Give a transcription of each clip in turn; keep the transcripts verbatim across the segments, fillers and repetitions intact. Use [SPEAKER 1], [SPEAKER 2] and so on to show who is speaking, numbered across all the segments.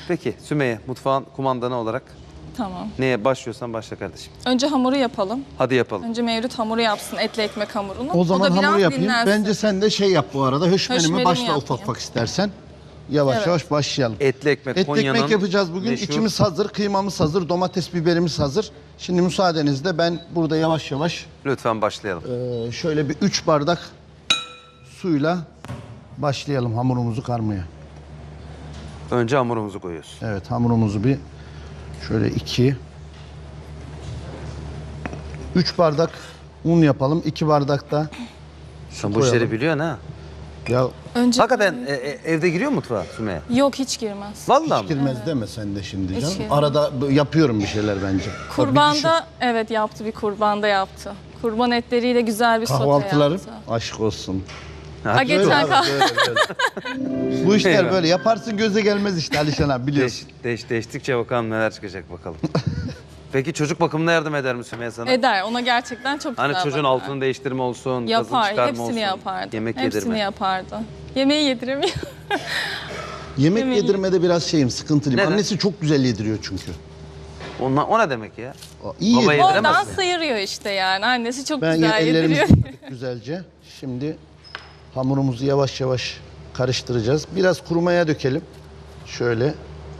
[SPEAKER 1] Peki Sümeyye, mutfağın kumandanı olarak
[SPEAKER 2] Tamam.
[SPEAKER 1] neye başlıyorsan başla kardeşim.
[SPEAKER 2] Önce hamuru yapalım.
[SPEAKER 1] Hadi yapalım.
[SPEAKER 2] Önce Mevlüt hamuru yapsın, etli ekmek hamurunu.
[SPEAKER 3] O zaman
[SPEAKER 2] da biraz
[SPEAKER 3] hamuru yapayım.
[SPEAKER 2] dinlensin.
[SPEAKER 3] Bence sen de şey yap bu arada. Höşmenimi
[SPEAKER 2] Höşmerimi
[SPEAKER 3] başla
[SPEAKER 2] yapayım.
[SPEAKER 3] ufak ufak istersen. Yavaş
[SPEAKER 2] Evet.
[SPEAKER 3] yavaş başlayalım.
[SPEAKER 1] Etli ekmek
[SPEAKER 3] Etli
[SPEAKER 1] Konya'nın
[SPEAKER 3] ekmek yapacağız bugün.
[SPEAKER 1] meşhur-
[SPEAKER 3] İçimiz hazır, kıymamız hazır, domates biberimiz hazır. Şimdi müsaadenizle ben burada yavaş yavaş
[SPEAKER 1] Lütfen başlayalım.
[SPEAKER 3] e, şöyle bir üç bardak suyla başlayalım hamurumuzu karmaya.
[SPEAKER 1] Önce hamurumuzu koyuyoruz.
[SPEAKER 3] Evet, hamurumuzu bir şöyle iki üç bardak un yapalım. iki bardak da
[SPEAKER 1] Sen bu
[SPEAKER 3] koyalım.
[SPEAKER 1] işleri biliyorsun ha.
[SPEAKER 3] ya
[SPEAKER 2] Önce
[SPEAKER 1] Hakikaten e, e, evde giriyor mu mutfağa Sümeyye?
[SPEAKER 2] Yok, hiç girmez.
[SPEAKER 1] Vallahi
[SPEAKER 3] hiç
[SPEAKER 1] mi?
[SPEAKER 3] girmez deme sen de şimdi
[SPEAKER 2] Hiç
[SPEAKER 3] canım.
[SPEAKER 2] girmez.
[SPEAKER 3] Arada b- yapıyorum bir şeyler bence. Bak bir düşün.
[SPEAKER 2] Kurbanda evet yaptı, bir kurbanda yaptı. Kurban etleriyle güzel bir sote
[SPEAKER 3] Kahvaltılarım
[SPEAKER 2] yaptı.
[SPEAKER 3] aşk olsun.
[SPEAKER 2] Ha,
[SPEAKER 3] Böyle
[SPEAKER 2] geçen
[SPEAKER 3] abi,
[SPEAKER 2] kah-
[SPEAKER 3] böyle, böyle. Bu işler
[SPEAKER 1] Eyvah.
[SPEAKER 3] böyle yaparsın göze gelmez işte Alişan abi biliyorsun.
[SPEAKER 1] Değiş, değiş, değiştikçe bakalım neler çıkacak bakalım. Peki çocuk bakımına yardım eder mi Sümeyye sana?
[SPEAKER 2] Eder, ona gerçekten çok
[SPEAKER 1] Hani
[SPEAKER 2] güzel
[SPEAKER 1] çocuğun
[SPEAKER 2] bakar.
[SPEAKER 1] altını değiştirme olsun, gazını
[SPEAKER 2] Yapar,
[SPEAKER 1] çıkarma
[SPEAKER 2] hepsini
[SPEAKER 1] olsun.
[SPEAKER 2] yapardı.
[SPEAKER 1] Yemek
[SPEAKER 2] hepsini
[SPEAKER 1] yedirme.
[SPEAKER 2] yapardı. Yemeği yediremiyor.
[SPEAKER 3] Yemek
[SPEAKER 2] Yemeği-
[SPEAKER 3] yedirmede biraz şeyim sıkıntılıyım.
[SPEAKER 1] Neden?
[SPEAKER 3] Annesi çok güzel yediriyor çünkü.
[SPEAKER 1] Onla, o ne demek ya?
[SPEAKER 3] O iyi
[SPEAKER 1] Baba
[SPEAKER 3] yediriyor.
[SPEAKER 1] yediremez
[SPEAKER 2] Ondan
[SPEAKER 1] mi?
[SPEAKER 2] sıyırıyor işte yani. Annesi çok
[SPEAKER 3] Ben
[SPEAKER 2] güzel
[SPEAKER 3] ellerimizi
[SPEAKER 2] yediriyor.
[SPEAKER 3] yıkadık güzelce. Şimdi hamurumuzu yavaş yavaş karıştıracağız. Biraz kurumaya dökelim. Şöyle.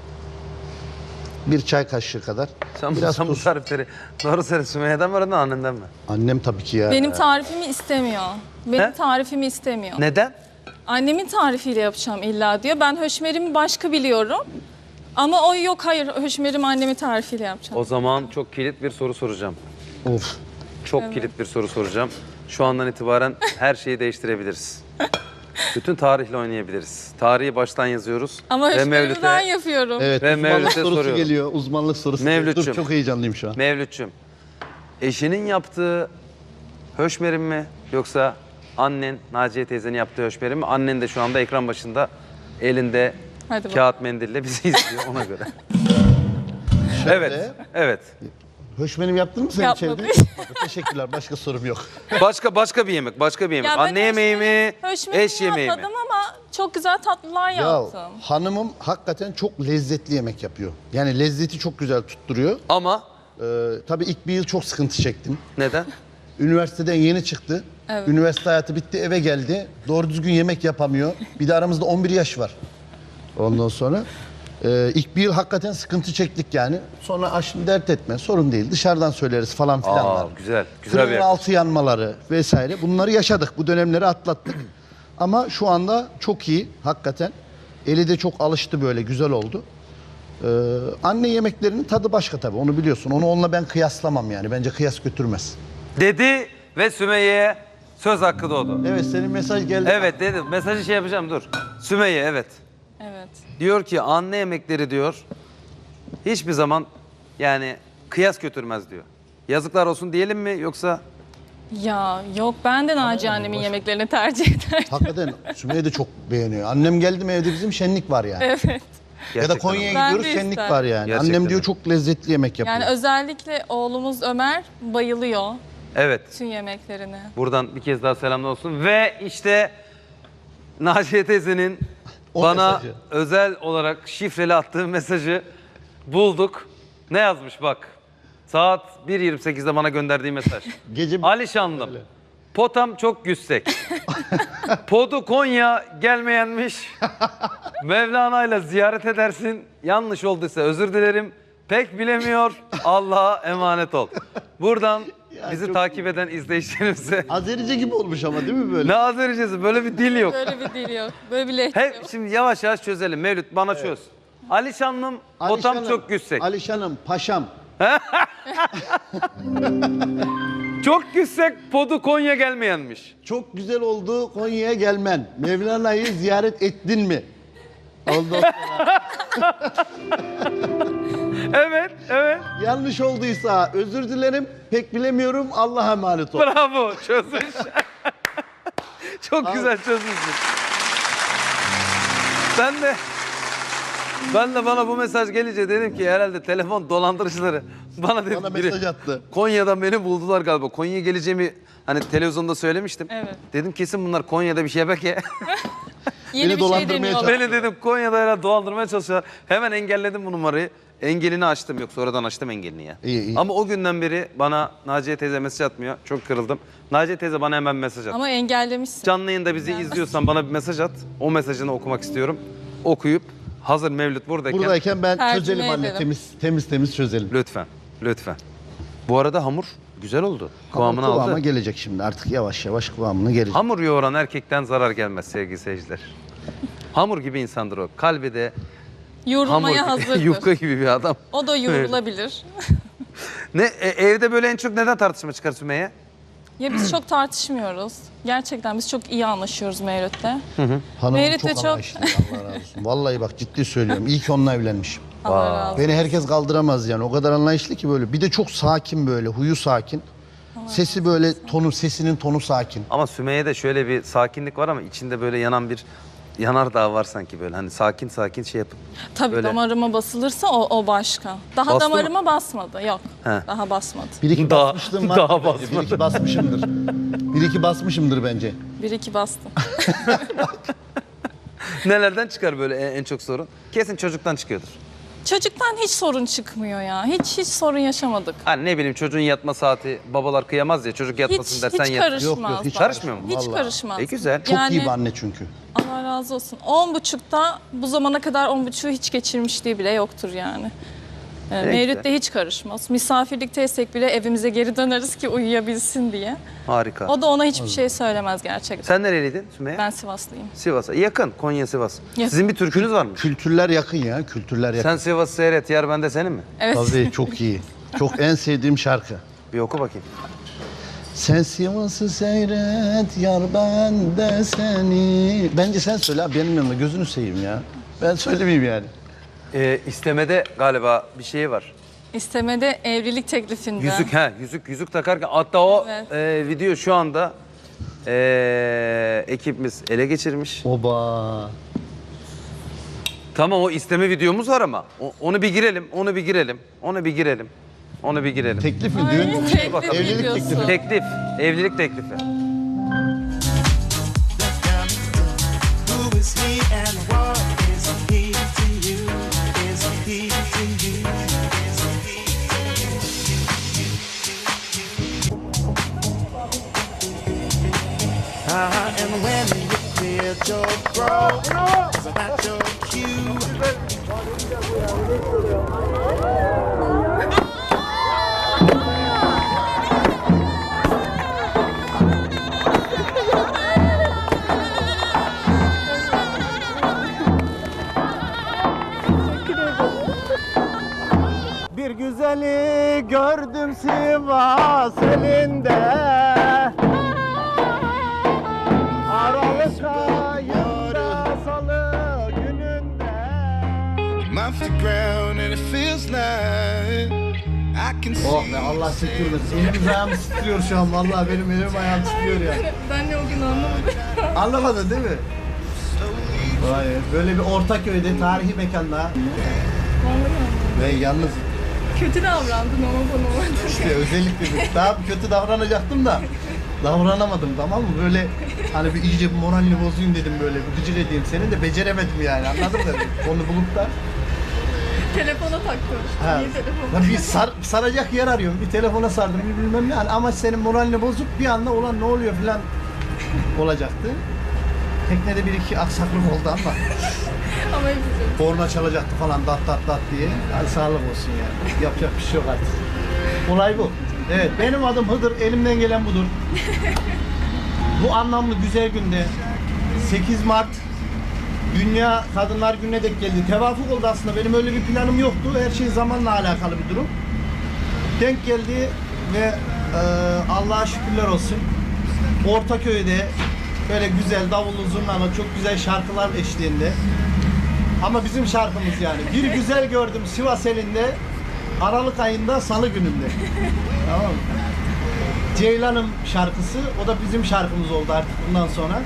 [SPEAKER 3] Bir çay kaşığı kadar.
[SPEAKER 1] Sen,
[SPEAKER 3] Biraz
[SPEAKER 1] sen bu
[SPEAKER 3] tuz.
[SPEAKER 1] tarifleri doğru söyle Sümeyye'den mi öğrendin annenden mi?
[SPEAKER 3] Annem tabii ki ya.
[SPEAKER 2] Benim tarifimi istemiyor. Benim
[SPEAKER 1] He?
[SPEAKER 2] tarifimi istemiyor.
[SPEAKER 1] Neden?
[SPEAKER 2] Annemin tarifiyle yapacağım illa diyor. Ben höşmerimi başka biliyorum. Ama o yok, hayır, höşmerimi annemin tarifiyle yapacağım.
[SPEAKER 1] O zaman çok kilit bir soru soracağım.
[SPEAKER 3] Of.
[SPEAKER 1] Çok kilit bir soru soracağım. Şu andan itibaren her şeyi değiştirebiliriz. Bütün tarihle oynayabiliriz. Tarihi baştan yazıyoruz.
[SPEAKER 2] Ama
[SPEAKER 1] ve
[SPEAKER 2] höşmerimi
[SPEAKER 1] Mevlüt'e,
[SPEAKER 2] ben yapıyorum.
[SPEAKER 3] Evet,
[SPEAKER 1] Ve
[SPEAKER 3] uzmanlık
[SPEAKER 1] Mevlüt'e
[SPEAKER 3] sorusu
[SPEAKER 1] soruyorum.
[SPEAKER 3] geliyor. Uzmanlık sorusu geliyor.
[SPEAKER 1] Mevlütçüm.
[SPEAKER 3] Dur, çok heyecanlıyım şu an.
[SPEAKER 1] Mevlütçüm, eşinin yaptığı höşmerin mi yoksa annen, Naciye teyzenin yaptığı höşmerin mi? Annen de şu anda ekran başında elinde
[SPEAKER 2] Hadi bakalım.
[SPEAKER 1] kağıt mendille bizi izliyor ona göre. Evet, evet.
[SPEAKER 3] Höşmenim yaptın mı sen
[SPEAKER 2] Yapmadım.
[SPEAKER 3] içeride? Teşekkürler. Başka sorum yok.
[SPEAKER 1] Başka başka bir yemek, başka bir yemek.
[SPEAKER 2] Ya ben
[SPEAKER 1] Anne yemeği mi,
[SPEAKER 2] Höşmerimi
[SPEAKER 1] eş yemeği mi?
[SPEAKER 2] yapmadım ama çok güzel tatlılar
[SPEAKER 3] Ya
[SPEAKER 2] yaptım.
[SPEAKER 3] hanımım hakikaten çok lezzetli yemek yapıyor. Yani lezzeti çok güzel tutturuyor.
[SPEAKER 1] Ama
[SPEAKER 3] Ee, tabii ilk bir yıl çok sıkıntı çektim.
[SPEAKER 1] neden?
[SPEAKER 3] Üniversiteden yeni çıktı.
[SPEAKER 2] Evet.
[SPEAKER 3] Üniversite hayatı bitti, eve geldi. Doğru düzgün yemek yapamıyor. Bir de aramızda on bir yaş var. Ondan sonra e, ilk bir yıl hakikaten sıkıntı çektik yani. Sonra aşkım dert etme, sorun değil. Dışarıdan söyleriz falan filan
[SPEAKER 1] Aa,
[SPEAKER 3] var.
[SPEAKER 1] güzel, güzel bir
[SPEAKER 3] Fırının
[SPEAKER 1] yer.
[SPEAKER 3] altı yanmaları vesaire. Bunları yaşadık. Bu dönemleri atlattık. Ama şu anda çok iyi hakikaten. Eli de çok alıştı böyle, güzel oldu. Ee, anne yemeklerinin tadı başka tabii, onu biliyorsun. Onu onunla ben kıyaslamam yani. Bence kıyas götürmez.
[SPEAKER 1] Dedi ve Sümeyye'ye söz hakkı doğdu.
[SPEAKER 3] Evet, senin mesaj geldi.
[SPEAKER 1] Evet dedi. Mesajı şey yapacağım dur. Sümeyye evet.
[SPEAKER 2] Evet.
[SPEAKER 1] Diyor ki anne yemekleri diyor hiçbir zaman yani kıyas götürmez diyor. Yazıklar olsun diyelim mi yoksa?
[SPEAKER 2] Ya yok, ben de Naciye annemin yemeklerini tercih ederdim.
[SPEAKER 3] Hakikaten Sümeyye de çok beğeniyor. Annem geldi mi evde bizim şenlik var yani.
[SPEAKER 2] Evet.
[SPEAKER 3] Ya da
[SPEAKER 1] Gerçekten
[SPEAKER 3] Konya'ya
[SPEAKER 2] Ben
[SPEAKER 3] gidiyoruz,
[SPEAKER 2] de
[SPEAKER 3] şenlik
[SPEAKER 2] isterim.
[SPEAKER 3] var yani.
[SPEAKER 1] Gerçekten
[SPEAKER 3] Annem diyor
[SPEAKER 1] öyle.
[SPEAKER 3] çok lezzetli yemek yapıyor.
[SPEAKER 2] Yani özellikle oğlumuz Ömer bayılıyor
[SPEAKER 1] Evet.
[SPEAKER 2] bütün yemeklerine.
[SPEAKER 1] Buradan bir kez daha selamlar olsun. Ve işte Naciye teyzenin
[SPEAKER 3] O
[SPEAKER 1] bana
[SPEAKER 3] mesajı.
[SPEAKER 1] özel olarak şifreli attığı mesajı bulduk. Ne yazmış bak. Saat bir yirmi sekizde bana gönderdiği mesaj.
[SPEAKER 3] Gece
[SPEAKER 1] Alişanlım. Potam çok yüksek. Podu Konya gelmeyenmiş. Mevlana'yla ziyaret edersin. Yanlış olduysa özür dilerim. Pek bilemiyor. Allah'a emanet ol. Buradan
[SPEAKER 3] Ya
[SPEAKER 1] bizi
[SPEAKER 3] çok
[SPEAKER 1] takip eden izleyicilerimize
[SPEAKER 3] Azerice gibi olmuş ama değil mi böyle?
[SPEAKER 1] ne Azericesi böyle bir dil yok.
[SPEAKER 2] Böyle bir dil yok. Böyle bir lehçe
[SPEAKER 1] Hep
[SPEAKER 2] yok.
[SPEAKER 1] şimdi yavaş yavaş çözelim. Mevlüt bana çöz. Alişanlım potam
[SPEAKER 3] Alişanım,
[SPEAKER 1] çok yüksek.
[SPEAKER 3] Alişanım, paşam.
[SPEAKER 1] Çok yüksek podu Konya gelmeyenmiş.
[SPEAKER 3] Çok güzel oldu Konya'ya gelmen. Mevlana'yı ziyaret ettin mi? Ondan sonra
[SPEAKER 1] Evet, evet.
[SPEAKER 3] yanlış olduysa özür dilerim. Pek bilemiyorum. Allah'a emanet ol.
[SPEAKER 1] Bravo çözmüş. Çok güzel çözmüşsün. Ben de ben de bana bu mesaj gelince dedim ki herhalde telefon dolandırıcıları bana dedi
[SPEAKER 3] Bana
[SPEAKER 1] biri
[SPEAKER 3] mesaj attı.
[SPEAKER 1] Konya'dan beni buldular galiba. Konya'ya geleceğimi hani televizyonda söylemiştim.
[SPEAKER 2] Evet.
[SPEAKER 1] Dedim kesin bunlar Konya'da bir şebeke.
[SPEAKER 2] Yeni
[SPEAKER 3] Beni
[SPEAKER 2] bir şey
[SPEAKER 3] dolandırmaya
[SPEAKER 2] deniyorlar.
[SPEAKER 1] Beni dedim Konya'da herhalde dolandırmaya çalışıyorlar. Hemen engelledim bu numarayı. Engelini açtım. Yok sonradan açtım engelini ya.
[SPEAKER 3] İyi, iyi.
[SPEAKER 1] Ama o günden beri bana Naciye teyze mesaj atmıyor. Çok kırıldım. Naciye teyze bana hemen mesaj at.
[SPEAKER 2] Ama engellemişsin.
[SPEAKER 1] Canlı yayında bizi izliyorsan bana bir mesaj at. O mesajını okumak istiyorum. Okuyup hazır Mevlüt buradayken.
[SPEAKER 3] Buradayken ben
[SPEAKER 2] Tercüme
[SPEAKER 3] çözelim anne.
[SPEAKER 2] ederim.
[SPEAKER 3] Temiz temiz temiz çözelim.
[SPEAKER 1] Lütfen. Lütfen. Bu arada hamur güzel oldu. Kıvamını
[SPEAKER 3] Kıvama
[SPEAKER 1] aldı.
[SPEAKER 3] gelecek şimdi artık yavaş yavaş kıvamına gelecek.
[SPEAKER 1] Hamur yoğuran erkekten zarar gelmez sevgili seyirciler. Hamur gibi insandır o. Kalbi de hamur
[SPEAKER 2] Yorulmaya
[SPEAKER 1] gibi,
[SPEAKER 2] hazırdır.
[SPEAKER 1] yufka gibi bir adam.
[SPEAKER 2] O da yorulabilir.
[SPEAKER 1] Ne e, evde böyle en çok neden tartışma çıkar Sümeyye?
[SPEAKER 2] Ya biz çok tartışmıyoruz. Gerçekten biz çok iyi anlaşıyoruz Mevlüt'le.
[SPEAKER 3] Hanımım
[SPEAKER 2] Mevlüt
[SPEAKER 3] çok
[SPEAKER 2] de çok-
[SPEAKER 3] anlayışlı. Allah razı olsun. Vallahi bak ciddi söylüyorum. İyi ki onunla evlenmişim.
[SPEAKER 2] Allah razı olsun.
[SPEAKER 3] Beni herkes kaldıramaz yani. O kadar anlayışlı ki böyle. Bir de çok sakin böyle. Huyu sakin. Sesi böyle tonu, sesinin tonu sakin.
[SPEAKER 1] Ama Sümeyye'de şöyle bir sakinlik var ama içinde böyle yanan bir yanardağ var sanki böyle. Hani sakin sakin şey yapıp.
[SPEAKER 2] Tabii
[SPEAKER 1] böyle-
[SPEAKER 2] damarıma basılırsa o, o başka. Daha
[SPEAKER 1] Bastı mı?
[SPEAKER 2] damarıma basmadı. Yok.
[SPEAKER 1] He.
[SPEAKER 2] Daha basmadı.
[SPEAKER 3] Bir iki
[SPEAKER 1] Daha-
[SPEAKER 3] basmışlığım var.
[SPEAKER 1] daha
[SPEAKER 3] bence. Bir iki basmışımdır. Bir iki basmışımdır bence.
[SPEAKER 2] Bir iki bastım.
[SPEAKER 1] Nelerden çıkar böyle en, en çok sorun? Kesin çocuktan çıkıyordur.
[SPEAKER 2] Çocuktan hiç sorun çıkmıyor ya. Hiç hiç sorun yaşamadık.
[SPEAKER 1] Hani ne bileyim çocuğun yatma saati babalar kıyamaz ya çocuk yatmasın
[SPEAKER 2] Hiç,
[SPEAKER 1] dersen
[SPEAKER 2] hiç
[SPEAKER 1] yat.
[SPEAKER 2] karışmaz.
[SPEAKER 3] Yok, yok, hiç
[SPEAKER 2] bak.
[SPEAKER 1] karışmıyor mu?
[SPEAKER 2] Hiç
[SPEAKER 3] Vallahi.
[SPEAKER 2] karışmaz.
[SPEAKER 1] E güzel.
[SPEAKER 3] Çok
[SPEAKER 2] Yani-
[SPEAKER 3] iyi bir anne çünkü.
[SPEAKER 2] Allah razı olsun. On buçukta bu zamana kadar on buçuğu hiç geçirmişliği bile yoktur yani. Ee, Mevlüt de hiç karışmaz. Misafirlikteysek bile evimize geri döneriz ki uyuyabilsin diye.
[SPEAKER 1] Harika.
[SPEAKER 2] O da ona hiçbir şey söylemez gerçekten.
[SPEAKER 1] Sen nereliydin Sümeyye?
[SPEAKER 2] Ben Sivaslıyım.
[SPEAKER 1] Sivas'a. Yakın. Konya Sivas.
[SPEAKER 2] Yakın.
[SPEAKER 1] Sizin bir türkünüz var mı?
[SPEAKER 3] Kültürler yakın ya. Kültürler yakın.
[SPEAKER 1] Sen Sivas seyret. Yer bende senin mi?
[SPEAKER 2] Evet.
[SPEAKER 3] Tabii çok iyi. Çok en sevdiğim şarkı.
[SPEAKER 1] Bir oku bakayım.
[SPEAKER 3] Sen Sivas'ı seyret yar ben de seni. Bence sen söyle abi benim yanımda gözünü seveyim ya. Ben söylemeyeyim yani.
[SPEAKER 1] Ee, istemede galiba bir şey var.
[SPEAKER 2] İstemede evlilik teklifinde.
[SPEAKER 1] Yüzük he yüzük yüzük takarken hatta o
[SPEAKER 2] Evet.
[SPEAKER 1] e, video şu anda e, ekibimiz ele geçirmiş.
[SPEAKER 3] Oba.
[SPEAKER 1] Tamam o isteme videomuz var ama o- onu bir girelim, onu bir girelim, onu bir girelim, onu bir girelim.
[SPEAKER 3] Teklif mi
[SPEAKER 2] Ay,
[SPEAKER 3] düğün?
[SPEAKER 2] teklif
[SPEAKER 1] bakalım.
[SPEAKER 3] Evlilik
[SPEAKER 2] videosu.
[SPEAKER 3] teklifi.
[SPEAKER 1] Teklif, evlilik teklifi.
[SPEAKER 4] Who is he and what is he to you? Is he to you? Is he to you? Uh, and when you cleared your throat, is that your cue?
[SPEAKER 5] Bir güzeli gördüm Sivas elinde, Aralık ayında salı gününde.
[SPEAKER 4] I'm off the ground and it feels like I can see.
[SPEAKER 3] Oh be Allah sıkıyorsun. Elim ayağım titriyor şu an. Vallahi benim elim ayağım titriyor ya.
[SPEAKER 2] Ben de o gün anlamadım.
[SPEAKER 3] Anlamadın değil mi? Vay be. Böyle bir Ortaköy'de tarihi mekanda. Ve yalnız
[SPEAKER 2] Kötü davrandın ama bana orada.
[SPEAKER 3] işte özellikle bir- daha kötü davranacaktım da davranamadım tamam mı? Böyle hani bir iyice bir moralini bozayım dedim böyle bir gıcır edeyim seni de beceremedim yani anladın mı? Onu bulup da
[SPEAKER 2] Telefona taktım.
[SPEAKER 3] ha,
[SPEAKER 2] Niye telefon?
[SPEAKER 3] ya bir sar, saracak yer arıyorum. Bir telefona sardım bir bilmem ne. Yani ama senin moralini bozup bir anda olan ne oluyor falan olacaktı. Teknede bir iki aksaklık oldu ama
[SPEAKER 2] Ama hepsi.
[SPEAKER 3] korna çalacaktı falan dat dat dat diye. Hadi sağlık olsun yani. Yapacak bir şey yok artık. Olay bu. Evet benim adım Hıdır. Elimden gelen budur. Bu anlamlı güzel günde sekiz Mart Dünya Kadınlar Günü'ne denk geldi. Tevafuk oldu aslında. Benim öyle bir planım yoktu. Her şey zamanla alakalı bir durum. Denk geldi ve e, Allah'a şükürler olsun. Ortaköy'de böyle güzel davullu zurnalı çok güzel şarkılar eşliğinde. Ama bizim şarkımız yani. Bir güzel gördüm Sivas elinde. Aralık ayında salı gününde. Tamam mı? Ceylan'ın şarkısı. O da bizim şarkımız oldu artık bundan sonra.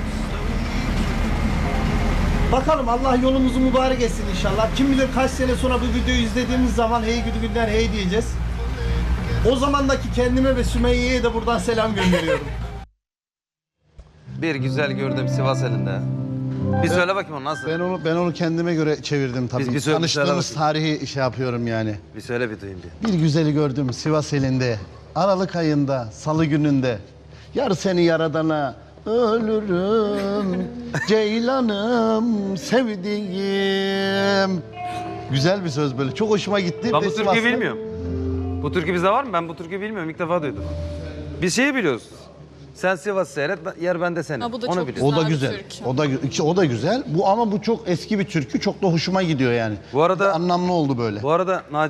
[SPEAKER 3] Bakalım Allah yolumuzu mübarek etsin inşallah. Kim bilir kaç sene sonra bu videoyu izlediğimiz zaman hey gidi günler hey diyeceğiz. O zamandaki kendime ve Sümeyye'ye de buradan selam gönderiyorum.
[SPEAKER 1] Bir güzel gördüm Sivas elinde. Bir söyle bakayım onu nasıl?
[SPEAKER 3] Ben onu ben onu kendime göre çevirdim tabii.
[SPEAKER 1] Biz bir söyle-
[SPEAKER 3] Tanıştığımız
[SPEAKER 1] söyle
[SPEAKER 3] tarihi şey yapıyorum yani.
[SPEAKER 1] Bir söyle bir duyayım bir.
[SPEAKER 3] Bir güzeli gördüm Sivas elinde. Aralık ayında, salı gününde. Yar seni yaradana ölürüm. Ceylanım sevdiğim. Güzel bir söz böyle. Çok hoşuma gitti.
[SPEAKER 1] Ben
[SPEAKER 3] Ve
[SPEAKER 1] bu
[SPEAKER 3] Sivas'ta-
[SPEAKER 1] türküyü bilmiyorum. Bu türkü bizde var mı? Ben bu türküyü bilmiyorum. İlk defa duydum. Biz şeyi biliyoruz. Sen Sivas seyret, ben- yer bende senin.
[SPEAKER 2] Ha, bu da
[SPEAKER 1] Onu
[SPEAKER 2] çok
[SPEAKER 1] biliyoruz.
[SPEAKER 3] O da
[SPEAKER 2] Güzel bir
[SPEAKER 3] güzel.
[SPEAKER 2] türkü.
[SPEAKER 3] O da gü- o da güzel. Bu ama bu çok eski bir türkü. Çok da hoşuma gidiyor yani.
[SPEAKER 1] Bu arada-
[SPEAKER 3] Anlamlı oldu böyle.
[SPEAKER 1] Bu arada Naci